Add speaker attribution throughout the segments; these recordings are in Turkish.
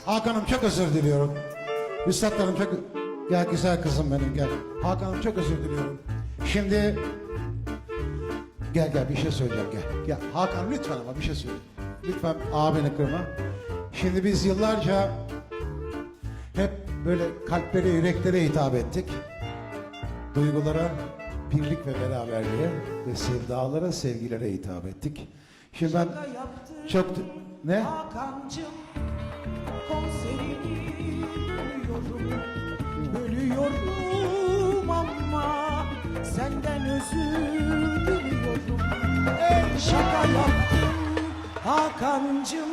Speaker 1: Hakan'ım çok özür diliyorum. Üstadlarım çok... Gel güzel kızım benim gel. Hakan'ım çok özür diliyorum. Şimdi... Gel bir şey söyleyeceğim gel. Gel Hakan lütfen ama bir şey söyle. Lütfen abini kırma. Şimdi biz yıllarca hep böyle kalplere, yüreklere hitap ettik. Duygulara, birlik ve beraberliğe ve sevdalara, sevgilere hitap ettik. Şimdi ben çok... Ne?
Speaker 2: Hakan'cım konserini bölüyorum ama senden özür diliyorum. Şaka yaptım Hakan'cım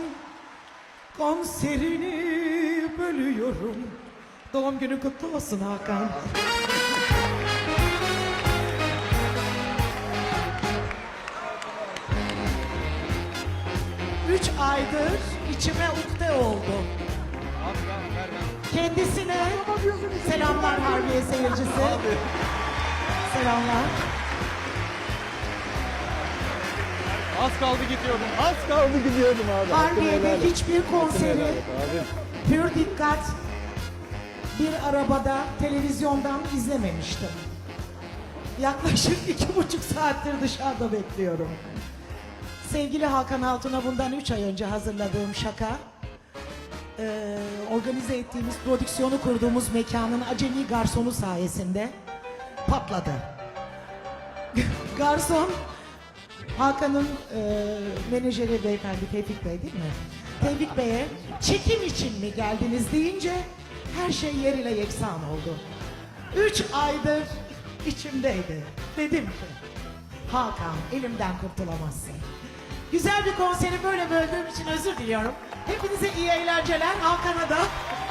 Speaker 2: konserini bölüyorum. Doğum günü kutlu olsun Hakan. Üç aydır içime ukde oldu. Kendisine selamlar Harbiye seyircisi. Selamlar.
Speaker 3: Az kaldı gidiyordum. Az kaldı gidiyordum abi.
Speaker 2: Harbiye'de hiçbir konseri pür dikkat bir arabada televizyondan izlememiştim. Yaklaşık 2,5 saattir dışarıda bekliyorum. Sevgili Hakan Altun'a bundan 3 ay önce hazırladığım şaka, organize ettiğimiz, prodüksiyonu kurduğumuz mekanın acemi garsonu sayesinde patladı. Garson, Hakan'ın menajeri beyefendi Tevfik Bey değil mi? Tevfik Bey'e çekim için mi geldiniz deyince her şey yerine yeksan oldu. 3 aydır içimdeydi. Dedim ki, Hakan elimden kurtulamazsın. Güzel bir konseri böyle böldüğüm için özür diliyorum. Hepinize iyi eğlenceler. Hakan'a da.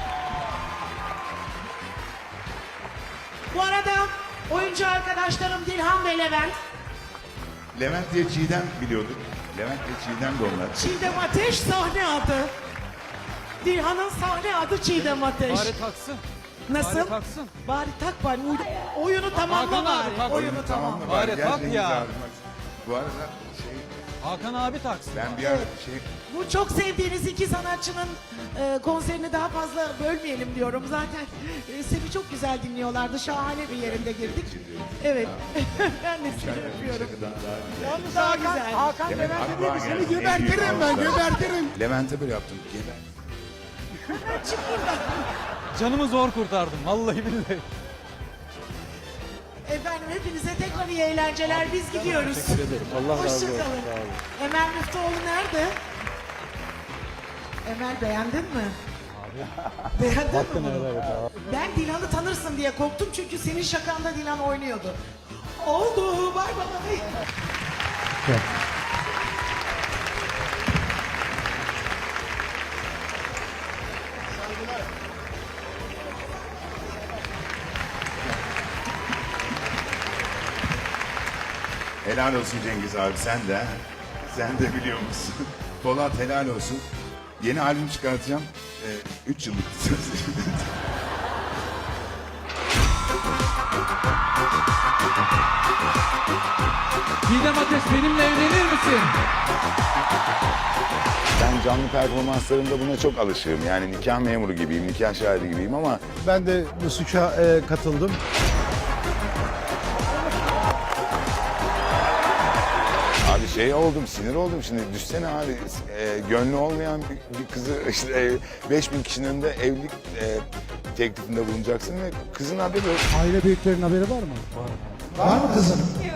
Speaker 2: Bu arada oyuncu arkadaşlarım Dilhan ve Levent.
Speaker 4: Levent diye Çiğdem biliyorduk. Levent diye Çiğdem de onlar.
Speaker 2: Çiğdem Ateş sahne adı. Dilhan'ın sahne adı Çiğdem Ateş.
Speaker 3: Bari taksın.
Speaker 2: Nasıl?
Speaker 3: Bari taksın.
Speaker 2: Bari tak bari. Oyunu tamamla
Speaker 3: Hakan abi,
Speaker 2: bari.
Speaker 3: tak.
Speaker 2: Oyunu tamam.
Speaker 3: Bari
Speaker 4: Gel
Speaker 3: tak
Speaker 4: Cengiz
Speaker 3: ya.
Speaker 4: abi, bak. Bu arada şey,
Speaker 3: Hakan abi taksın.
Speaker 4: ben bir ara şey,
Speaker 2: Bu çok sevdiğiniz iki sanatçının konserini daha fazla bölmeyelim diyorum. Zaten seni çok güzel dinliyorlardı. Şahane bir yerinde girdik. Evet. Ben de seni öpüyorum. Yalnız daha güzel.
Speaker 1: Hakan
Speaker 4: Demek
Speaker 1: Levent'e
Speaker 4: aklıma
Speaker 1: dedi seni
Speaker 4: geldi.
Speaker 1: gebertirim ben gebertirim.
Speaker 4: Levent'e böyle yaptım. Geber.
Speaker 3: Canımı zor kurtardım. Vallahi billahi.
Speaker 2: Efendim hepinize tekrar iyi eğlenceler. Biz gidiyoruz.
Speaker 3: Teşekkür ederim. Allah razı olsun.
Speaker 2: Hoşçakalın.
Speaker 3: Sağ olun.
Speaker 2: Emel Müftüoğlu nerede? Emel beğendin mi? Beğendin mi bunu? Ben Dilan'ı tanırsın diye korktum çünkü senin şakanda Dilan oynuyordu. Oldu. Bay bay.
Speaker 4: Helal olsun Cengiz abi sen de. Sen de biliyor musun? Polat helal olsun. Yeni albüm çıkartacağım. 3 yıllık söz.
Speaker 3: Çiğdem Ateş benimle evlenir misin?
Speaker 4: Ben canlı performanslarımda buna çok alışığım. Yani nikah memuru gibiyim, nikah şahidi gibiyim ama
Speaker 1: Ben de bu suça katıldım.
Speaker 4: abi şey oldum, sinir oldum şimdi. Düşsene abi, gönlü olmayan bir kızı işte 5000 kişinin önünde evlilik teklifinde bulunacaksın ve kızın haberi yok.
Speaker 1: Aile büyüklerinin haberi var mı? Var mı kızım?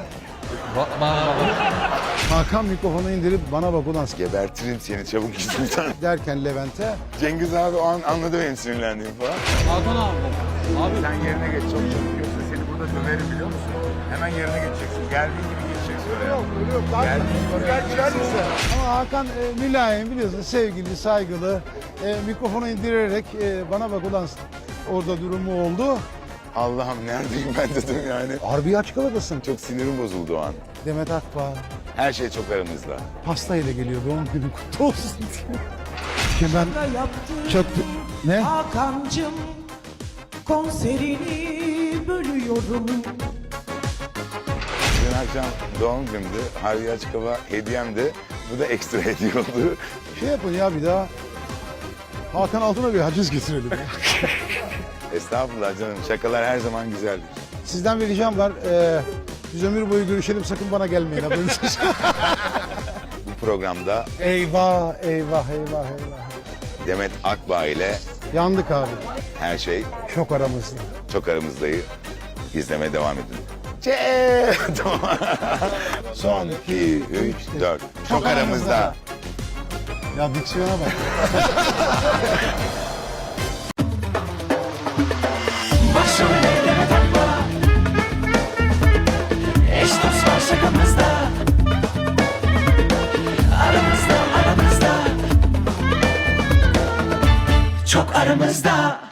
Speaker 1: Hakan mikrofonu indirip bana bak ulan
Speaker 4: Gebertirim seni çabuk git buradan.
Speaker 1: derken Levent'e
Speaker 4: Cengiz abi o an anladı benim sinirlendiğimi falan.
Speaker 3: Hakan abi. Abi
Speaker 4: Sen yerine geç çok çabuk yoksa seni burada döverim biliyor musun? Hemen yerine geçeceksin. Geldiğin gibi geçeceksin oraya. Geldiğin gibi geçeceksin.
Speaker 1: ama Hakan mülayim biliyorsun sevgili saygılı mikrofonu indirerek bana bak ulan orada durumu oldu.
Speaker 4: Allah'ım neredeyim ben dedim yani.
Speaker 1: Harbi aç kalıbısın.
Speaker 4: Çok sinirim bozuldu o an.
Speaker 1: Demet Akbağ
Speaker 4: Her şey çok aramızda.
Speaker 1: pastayla geliyor doğum günün kutlu olsun diye. Şimdi ben
Speaker 2: Yaptım.
Speaker 1: çok... Ne?
Speaker 2: Hakan'cım konserini bölüyorum.
Speaker 4: Dün akşam doğum günümdü. Harbi Açık Hava hediyemdi. Bu da ekstra hediye oldu.
Speaker 1: Şey yapın ya bir daha
Speaker 5: Hakan Altun'a bir haciz getirelim.
Speaker 4: Estağfurullah canım. Şakalar her zaman güzeldir.
Speaker 5: Sizden bir ricam var. Biz ömür boyu görüşelim, sakın bana gelmeyin. Haberiniz olsun.
Speaker 4: Bu programda
Speaker 5: Eyvah, eyvah, eyvah, eyvah.
Speaker 4: Demet Akbağ ile
Speaker 5: Yandık abi.
Speaker 4: her şey
Speaker 5: Çok aramızda.
Speaker 4: çok aramızdayı izlemeye devam edin. Tamam. Son 2, 3, 4. Çok aramızda.
Speaker 5: Ya diksiyona bak.
Speaker 6: Başrollerde takla, eş dost var şakamızda. Aramızda, aramızda, çok aramızda.